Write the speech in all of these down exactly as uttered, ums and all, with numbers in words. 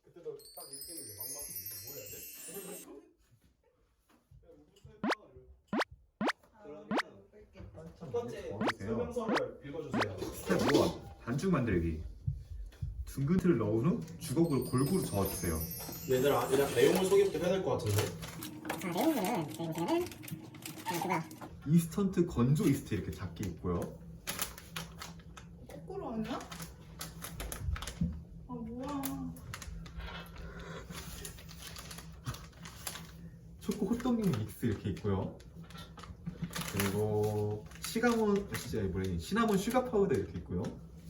그때도 딱 이렇게 했는데 막막해. 이거 뭐 해야 돼? 그러면 첫 번째 어떠세요? 설명서를 읽어주세요. 스텝 일. 반죽 만들기. 둥근 틀을 넣은 후 주걱으로 골고루 저어주세요. 얘들아, 일단 내용을 소개부터 해야 될 것 같은데. 자, 내용은 내용은 그거 인스턴트 건조 이스트 이렇게 작게 있고요. 거꾸로 아니야? 아 뭐야? 초코 호떡용 믹스 이렇게 있고요. 그리고 시가몬 진짜 뭐래 시나몬 슈가 파우더 이렇게 있고요.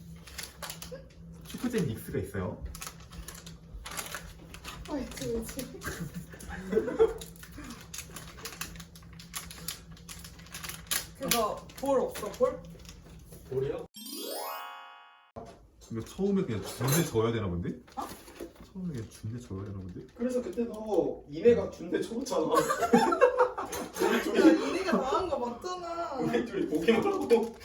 초코잼 믹스가 있어요. 아 있지 있지. 그거 볼 없어 볼? 볼이요? 이거 처음에 그냥 준대 저어야 되나 본데? 어? 처음에 그냥 준대 저어야 되나 본데? 그래서 그때도 이내가 준대 쳐봤잖아. 야 니네가 나간 거 맞잖아. 우리 둘이 보기만 하고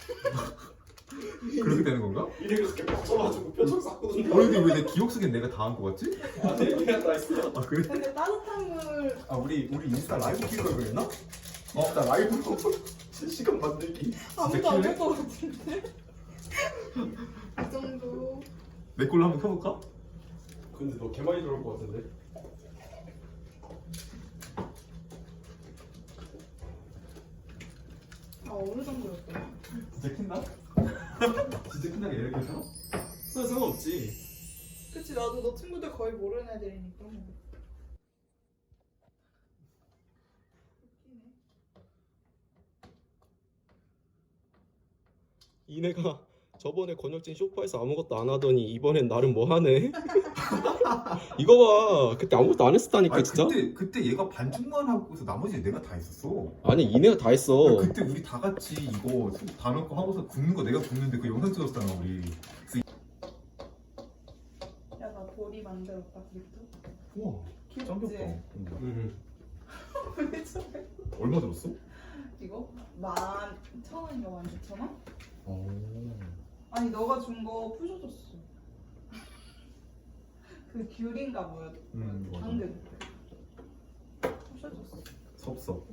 그렇게 되는 건가? 이내가 그렇게 빡쳐가지고 표정 쌌거든. 그런데 왜 내 기억 속엔 내가 다 한 거 같지? 아, 네, 이내가 다 했어. 아 그래? 근데 따뜻한 물 아 우리 우리 인스타 라이브 킬 걸 그랬나? 어, 나 라이브로 실시간 만들기. 아무도 안 킬래? 할 것 같은데. 이 정도. 내 걸로 한번 켜볼까? 근데 너 개 많이 들어올 것 같은데? 아 어느 정도였더라? 진짜 킨다? 진짜 킨다가 이렇게 해서? 나 상관없지. 그치 나도 너 친구들 거의 모르는 애들이니까 뭐. 웃기네. 이내가 저번에 권혁진 쇼파에서 아무것도 안 하더니 이번엔 나름 뭐 하네. 이거 봐, 그때 아무것도 안 했었다니까 아니 진짜. 그때 그때 얘가 반죽만 하고서 나머지 내가 다 했었어. 아니 이내가 다 했어. 야, 그때 우리 다 같이 이거 소금 다 넣고 하고서 굽는 거 내가 굽는데 그 영상 찍었잖아 우리. 야 나 볼이 만들었다 그립도. 우와 귀엽지? 짱겼다. 음. 왜 저래? 얼마 들었어? 이거 만 천 원인가 만 육천 원? 오. 아니 너가 준 거 부셔줬어. 그 귤인가 뭐야? 음, 맞아. 당근. 부셔줬어. 섭섭.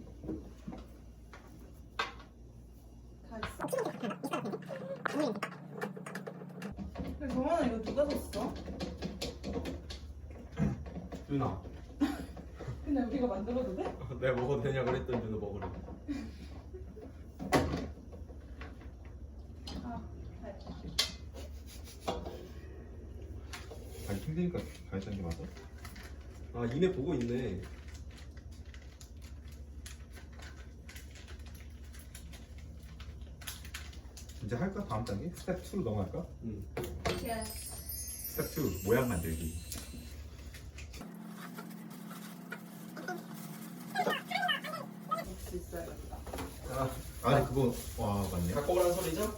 다 있어. 근데 정원아 이거 누가 샀어? 누나, 근데 우리가 만들어도 돼? 내가 먹어도 되냐 그랬더니 누나 먹으래. 아, 다 했다. 아니 힘드니까 가르치는 게 맞아? 아 이내 보고 있네. 이제 할까? 다음 단계? 스텝 이로 넘어갈까? 응. 예스. 스텝 이 모양 만들기. 역시 있어야겠다. 자, 아니 그거 와 맞네. 갖고 오라는 소리죠?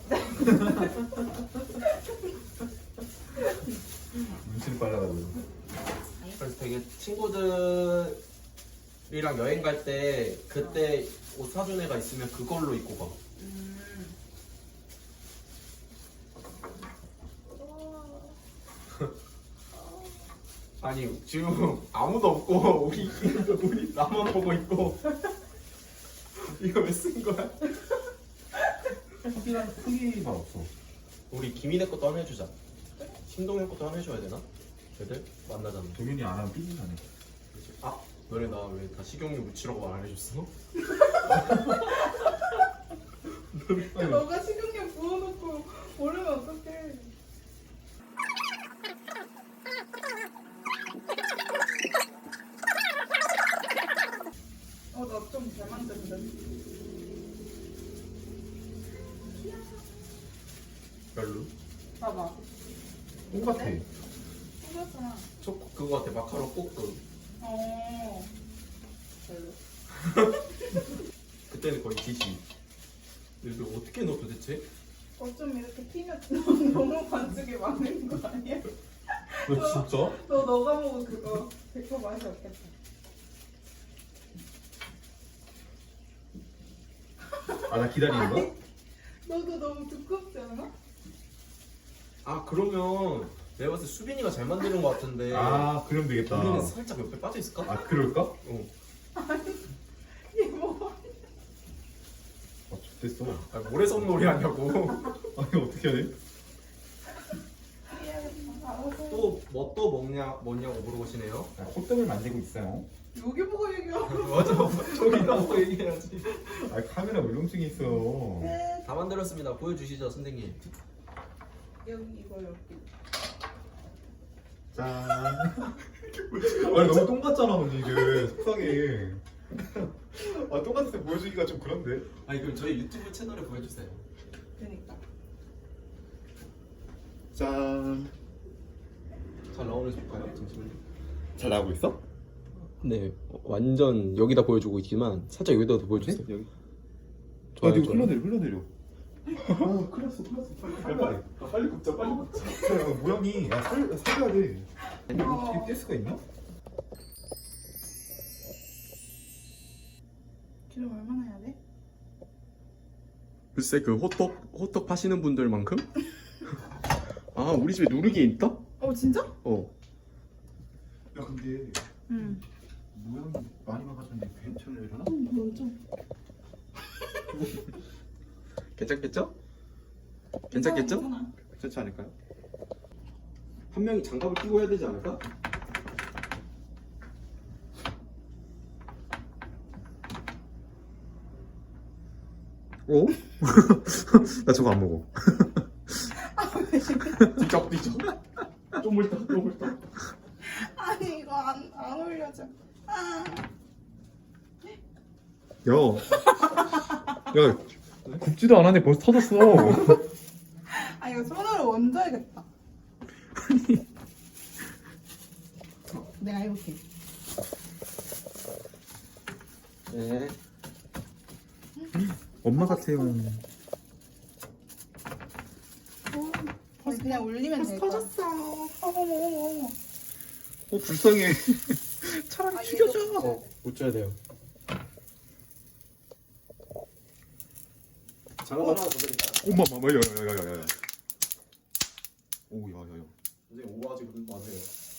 눈치를 빨라가지고. 그래서 되게 친구들이랑 여행 갈 때 그때 옷 사준 애가 있으면 그걸로 입고 가. 음. 아니 지금 아무도 없고 우리 우리 나만 보고 있고 이거 왜 쓴 거야? 크기랑 크기만 없어. 우리 김인혜 것도 하나 해주자. 신동현 것도 하나 해줘야 되나? 걔들 만나자면. 동현이 안 하면 삐진다네. 아 너네 나 왜 다 식용유 묻히라고 말 안 해줬어? 야, 너가 식용유 부어놓고 모르면 어떡해. 어, 나 좀 잘 만든다. 별로. 봐봐. 똑같아. 똑같잖아. 초 그거 같아 마카롱 볶음. 어. 별로. 그때는 거의 기시. 이거 어떻게 넣어 도대체? 어쩜 이렇게 튀면 너무 반죽이 많은 거 아니야? 너 진짜? 너 너가 먹은 그거 백 퍼센트 맛이 없겠다. 아 나 기다리는 거야? 너도 너무 두껍지 않아? 아 그러면 내가 봤을 때 수빈이가 잘 만드는 것 같은데 아 그럼 되겠다. 우리는 살짝 옆에 빠져 있을까? 아 그럴까? 어. 이게 뭐? 아 좋댔어. 아, 모래성 놀이 하냐고. 아니 어떻게 해야 돼? 해야겠다. 알아서. 또 뭐 또 먹냐 뭐냐고 물어보시네요. 아, 호떡을 만들고 있어요. 여기 보고 얘기하고. 맞아. 저기다 보고 얘기해야지. 아 카메라 울렁증이 있어. 네. 다 만들었습니다. 보여주시죠 선생님. 여기 이거 여기. 짠. 아니 너무 똥 같잖아 언니 이게 속상해. 아 똥같을 때 보여주기가 좀 그런데. 아니 그럼 저희 유튜브 채널에 보여주세요. 그러니까. 짠. 잘 나오는지 볼까요? 잠시만요. 잘 나오고 있어? 네, 완전 여기다 보여주고 있지만 살짝 여기다 보여주세요. 여기. 좋아요, 아, 이거 좋아요. 흘러내려 흘러내려. 아 큰일 났어 큰일 났어. 빨리 빨리. 아, 빨리 굽자, 빨리 굽자. 야, 모양이 야, 살, 살려야 돼. 어. 이거 뗄 수가 있나? 기름 얼마나 해야 돼? 글쎄 그 호떡 호떡 파시는 분들만큼? 아 우리 집에 누르기 있다? 어 진짜? 어. 야 근데 응. 모양이 많이 망가졌는데 괜찮으려나? 넌 좀. 괜찮겠죠? 괜찮겠죠? 괜찮아. 괜찮지 않을까요? 한 명이 장갑을 끼고 해야 되지 않을까? 어? 나 저거 안 먹어. 뒤적 뒤적. 쪼물떡 쪼물떡. 아니 이거 안, 안 올려져. 아. 야, 야, 굽지도 않았는데 벌써 터졌어. 아 이거 손으로 얹어야겠다. 내가 해볼게. 네. 엄마 같아요. 어, 그냥 올리면 될 거야. 터졌어. 어머 어머 어머. 어 불쌍해. 차라리 죽여줘. 어, 묻혀야 돼요. 장갑 하나 더 드릴까요? 엄마, 엄마, 야야야야야야. 오, 야야야. 선생님 오버하지 마세요.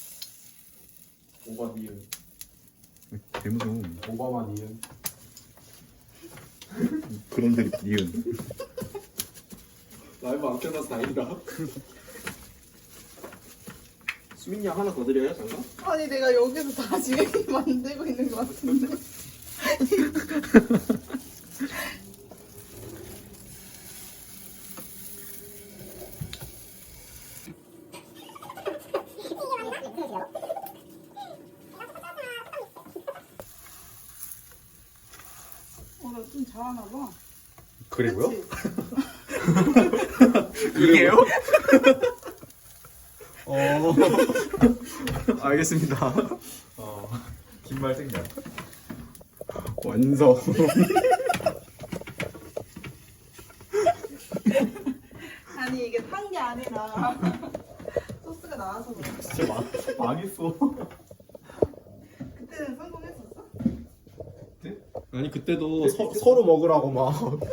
오버 니은. 개무서워. 오바마 니은. 그런데 니은. 라이브 안 켜놔서 다행이다. 수민이 형 하나 더 드려요 장갑? 아니 내가 여기서 다 지금 만들고 있는 것 같은데. 어, 나 좀 잘하나 봐. 그래고요? 그치? 이게요? 어. 알겠습니다. 어, 긴말 생략. 완성. 아니 이게 탄 게 아니라 소스가 나와서 그런 거야. 진짜 망, 망했어. 그때는 성공했었어? 아니 그때도 서, 서로 먹으라고 막.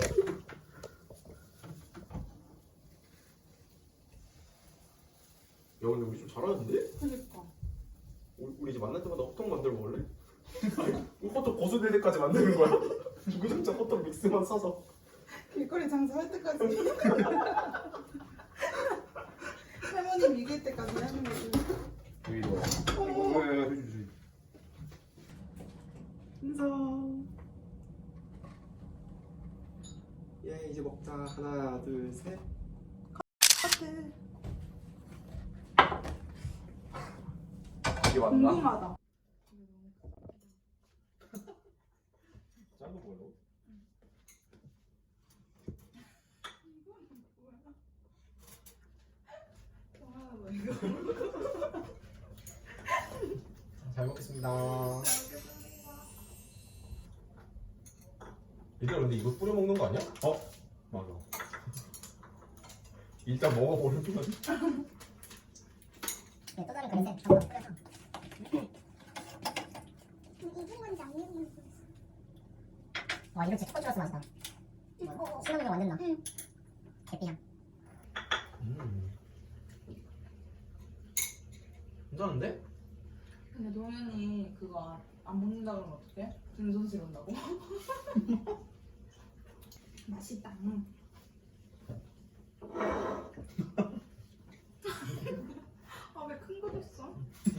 야 근데 우리 좀 잘하는데? 그니까. 우리, 우리 이제 만날 때마다 호떡 만들어 먹을래? 아니, 호떡 고수될 때까지 만드는 거야? 주구장창 호떡 믹스만 사서. 길거리 장사할 때까지. 할머니 이길 때까지 하는 거지. 여기로. 어머. 야야야, 해주지. 인성. 예 이제 먹자. 하나 둘 셋. 이게 맞나? 궁금하다. 짠거 뭐야? 잘 먹겠습니다. 얘들아 근데 이거 뿌려 먹는 거 아니야? 어, 맞아. 일단 먹어보는 거지. 네, 또 다른 그릇에 전부 뿌려서 이게 뭔지 안 익은 와 이거 진짜 초콜릿 맛이다. 신혼여행 완전 나. 개삐향. 음. 괜찮은데? 근데 동현이 그거 안 먹는다 그러면 어떡해? 등손실 온다고? 맛있다. 음. 아 왜 큰 거 줬어?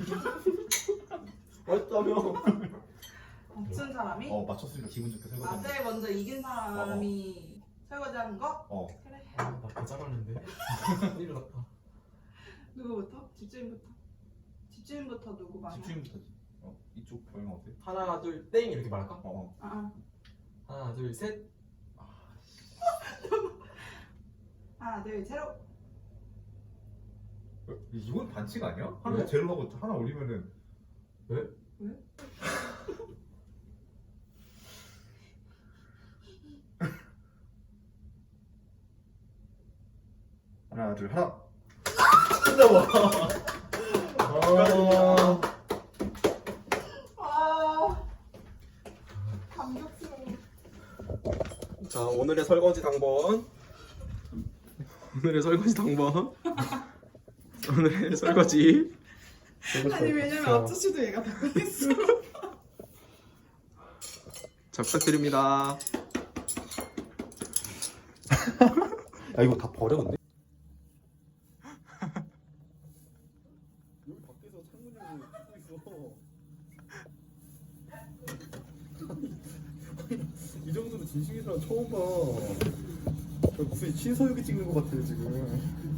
맛있다며. 맞춘 사람이? 어 맞췄으니까 기분 좋게 설거지. 낮에 먼저 이긴 사람이 설거지 하는 거? 어. 그래. 나더 잘하는데. 큰일 났다. 누구부터? 집주인부터. 집주인부터 누구 말이야? 집주인부터지. 어 이쪽 보영 어때? 하나 둘 땡 이렇게 말할까? 어. 아, 아. 하나 둘 셋. 하나 둘 셋. 어, 이건 반칙 아니야? 하나 왜? 제로 하고 하나 올리면은 왜? 왜? 하나 둘 하나. 끝나봐. 아. 아 감격스러워. 자 오늘의 설거지 당번. 오늘의 설거지 당번. 오늘의 설거지. 아니 왜냐면 아저씨도 얘가 다 꺼냈어. 잘 부탁드립니다. 야 이거 다 버려 근데? 여기 밖에서 창문 열고 있고 있어. 이 정도로 진심인 사람 처음 봐. 무슨 신서유기 찍는 것 같아요 지금.